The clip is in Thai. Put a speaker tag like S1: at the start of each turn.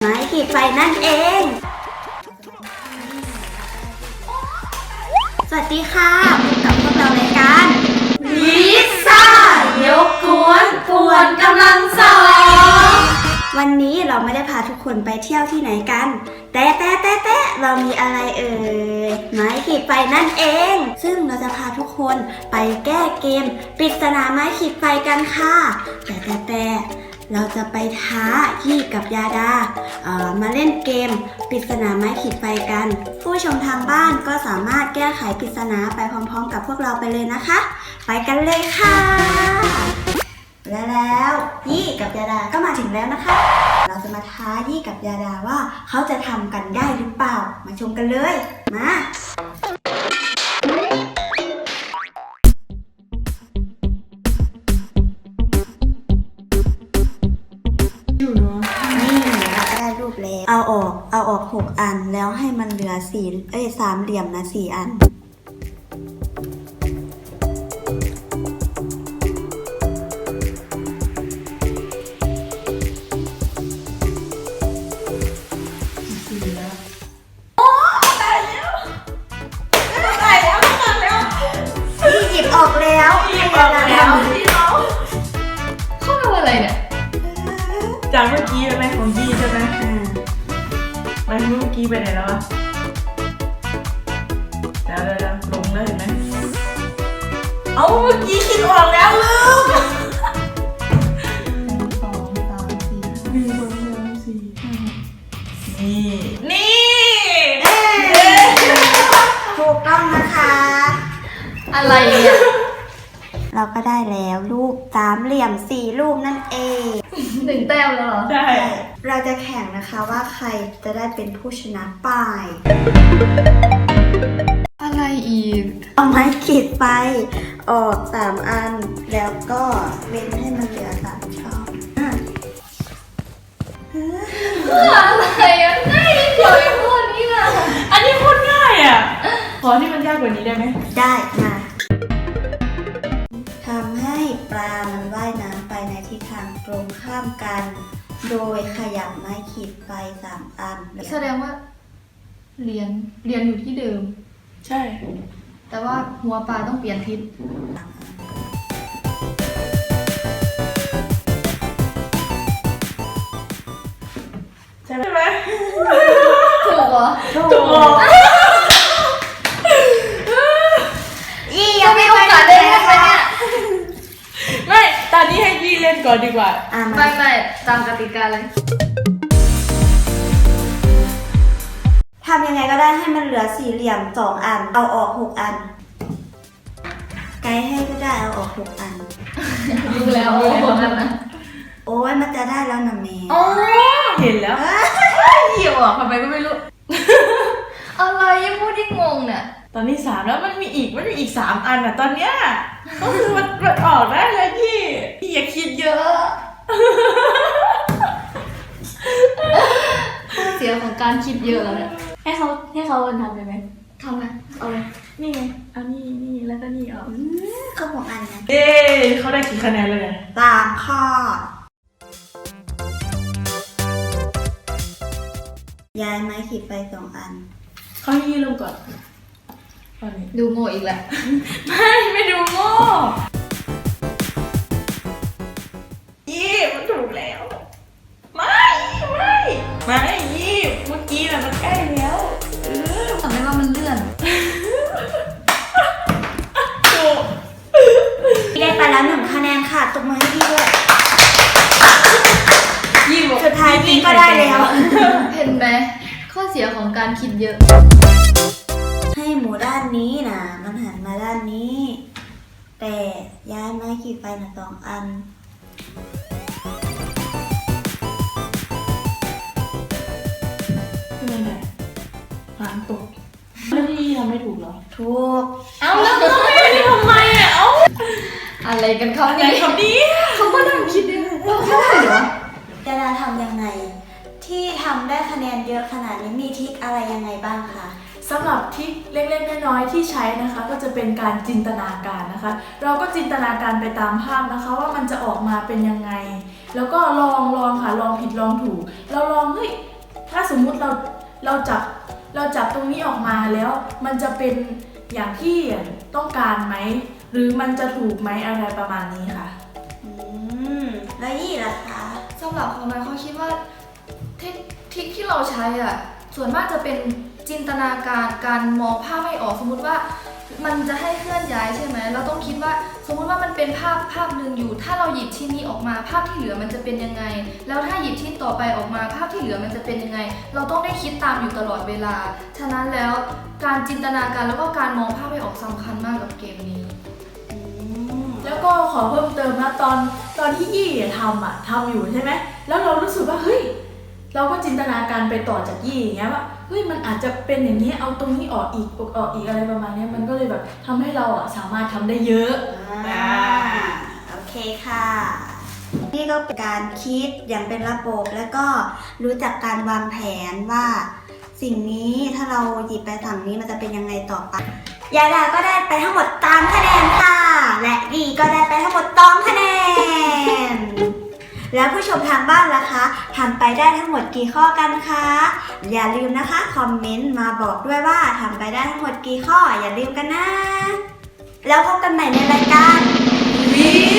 S1: ม้ขีดไฟนั่นเองสวัสดีค่ะพบกับพวกเราในการวิซ่ายกกวนป่วนกำลังสองวันนี้เราไม่ได้พาทุกคนไปเที่ยวที่ไหนกันแต่เรามีอะไรไม้ขีดไฟนั่นเองซึ่งเราจะพาทุกคนไปแก้เกมปริศนาไม้ขีดไฟกันค่ะแต่เราจะไปท้ายี่กับยาดามาเล่นเกมปริศนาไม้ขีดไฟกันผู้ชมทางบ้านก็สามารถแก้ไขปริศนาไปพร้อมๆกับพวกเราไปเลยนะคะไปกันเลยค่ะและแล้วยี่กับยาดาก็มาถึงแล้วนะคะเราจะมาท้ายี่กับยาดาว่าเขาจะทำกันได้หรือเปล่ามาชมกันเลยมาเอาออก6 อันแล้วให้มันเหลือ3 เหลี่ยมนะ4 อันพี่หยิบออกแล้วให้ยาดาทำ
S2: ที่เราเข้าไปอะไรเนี่ยจากเมื่อกี้ใช่ไหมของยี่ใช่ไหมไปเมื่อกี้ไปไหนแล้ววะเดี๋ยวลงแล้วเห็นไหมเอาเมื่อกี้คิดออกแล้วลืม1 2 3 4 นี่
S1: ถูกต้องนะคะ
S2: อะไรเนี่ย
S1: เราก็ได้แล้วรูป3 เหลี่ยม4 รูปนั่นเอง
S2: 1 แต้มแล้วเหรอ
S1: ใช่เราจะแข่งนะคะว่าใครจะได้เป็นผู้ชนะไป
S2: อะไรอีก
S1: เอาไม้ขีดไฟออก3 อันแล้วก็เว้นให้มันเหลือ3 ช่อง
S2: อะไรอ่ะง่ายนิดเดียวเองพวกนี้อ่ะ
S3: อันนี้โคตรง่ายอ่ะขอที่มันยากกว่านี้ได้ไหม
S1: ได้มาทำให้ปลามันว่ายน้ำไปในทิศทางตรงข้ามกันโดยขยับไม้ขีดไฟ3 อัน
S2: แสดงว่าเรียนอยู่ที่เดิม
S3: ใช่
S2: แต่ว่าหัวปลาต้องเปลี่ยนทิศ
S3: ใช่ไหม
S2: ถูกเหรอ
S3: ถูก
S1: ยังไม่โอกาสได้เล่นเลยเนี่ย
S3: ไม่ตอนนี้ให้ยี่เล่นก่อนดีกว่า
S2: ไม่ตามกติกาเลย
S1: ทำยังไงก็ได้ให้มันเหลือ4 เหลี่ยม2 อันเอาออก6 อันไกด์ให้ก็ได้เอาออก6 อัน
S2: รู้แล้วโ
S1: อ้ยมันจะได้แล้วนะเมย์
S3: เห็นแล้ว
S2: เหี่ยวอ่ะทำไมก็ไม่รู้อะไรยังพูดที่งงเนี่ย
S3: ตอนนี้3แล้วมันมีอีก3 อันอ่ะตอนเนี้ยก็คือมันออกได้แล้วพี่อย่าคิดเยอะ
S2: ข้อเสียของการคิดเยอะแล้วเนี่ย
S3: ให้เขาทำได้ไหม
S2: ทำไหมเอาเลย
S3: นี่ไงเอานี่แล้วก็นี่เอา
S1: เขาบอกอันนะ
S3: เขาได้กี่คะแนนเลย
S1: 3 ข้อย้ายไม้ขีดไฟ2 อัน
S3: เขาให้ยี่ลงก่อน
S2: ดูโง่อีกแล้ว
S3: ไม่ดูโง่ยี่มันถูกแล้วไม่ยี่เมื่อกี้น่ะมันใกล้แล้ว
S2: ทำไมว่ามันเลื่อน
S3: ถูก
S1: ได้ไปแล้ว1 คะแนนค่ะตบมือให้พี่ด้วย
S3: ยี่บอก
S1: สุดท้ายยี่ก็ได้แล้ว
S2: เห็นไหมข้อเสียของการคิดเยอะ
S1: ให้หมูด้านนี้นะมันหันมาด้านนี้แต่ย้ายไม้ขีดไฟนะ2 อัน
S3: คืออะไรหางตกแล้วที่ทำไม่ถูกเหรอ
S1: ถูก
S3: เอาแล้วไม่ทำไมอ่ะ
S2: อะไรกันเขาเนี่ยเขาก็นั่งคิดเอง
S1: เขาได้เหรอจะทำยังไงที่ทำได้คะแนนเยอะขนาดนี้มีทริคอะไรยังไงบ้างคะ
S3: สำหรับที่เล็กๆน้อยๆที่ใช้นะคะก็จะเป็นการจินตนาการนะคะเราก็จินตนาการไปตามภาพนะคะว่ามันจะออกมาเป็นยังไงแล้วก็ลองค่ะลองผิดลองถูกเราลองเฮ้ยมมุติเราจับตรงนี้ออกมาแล้วมันจะเป็นอย่างที่ต้องการไหมหรือมันจะถูกไหมอะไรประมาณนี้ค่ะ
S1: แล้วยี่ล่ะคะ
S4: สำหรับของมันเขาคิดว่าเทคนิคที่เราใช้อ่ะส่วนมากจะเป็นจินตนาการการมองภาพให้ออกสมมุติว่ามันจะให้เคลื่อนย้ายใช่ไหมเราต้องคิดว่าสมมุติว่ามันเป็นภาพหนึ่งอยู่ถ้าเราหยิบชิ้นนี้ออกมาภาพที่เหลือมันจะเป็นยังไงแล้วถ้าหยิบชิ้นต่อไปออกมาภาพที่เหลือมันจะเป็นยังไงเราต้องได้คิดตามอยู่ตลอดเวลาฉะนั้นแล้วการจินตนาการแล้วก็การมองภาพให้ออกสำคัญมากกับเกมนี้
S3: แล้วก็ขอเพิ่มเติมนะตอนที่ยี่ทำอยู่ใช่ไหมแล้วเรารู้สึกว่าเฮ้ยเราก็จินตนาการไปต่อจากยี่อย่างเงี้ยว่าเฮ้ยมันอาจจะเป็นอย่างนี้เอาตรงนี้ออกอีกอะไรประมาณนี้มันก็เลยแบบทำให้เราสามารถทำได้เยอะ
S1: โอเคค่ะ นี่ก็เป็นการคิดอย่างเป็นระบบแล้วก็รู้จักการวางแผนว่า สิ่งนี้ถ้าเราหยิบไปฝั่งนี้มันจะเป็นยังไงต่อไปยาดาก็ได้ไปทั้งหมด3คะแนนค่ะและดีก็ได้ไปทั้งหมด2คะแนนแล้วผู้ชมทางบ้านล่ะคะทำไปได้ทั้งหมดกี่ข้อกันคะอย่าลืมนะคะคอมเมนต์มาบอกด้วยว่าทำไปได้ทั้งหมดกี่ข้ออย่าลืมกันนะแล้วพบกันใหม่ในรายการวิ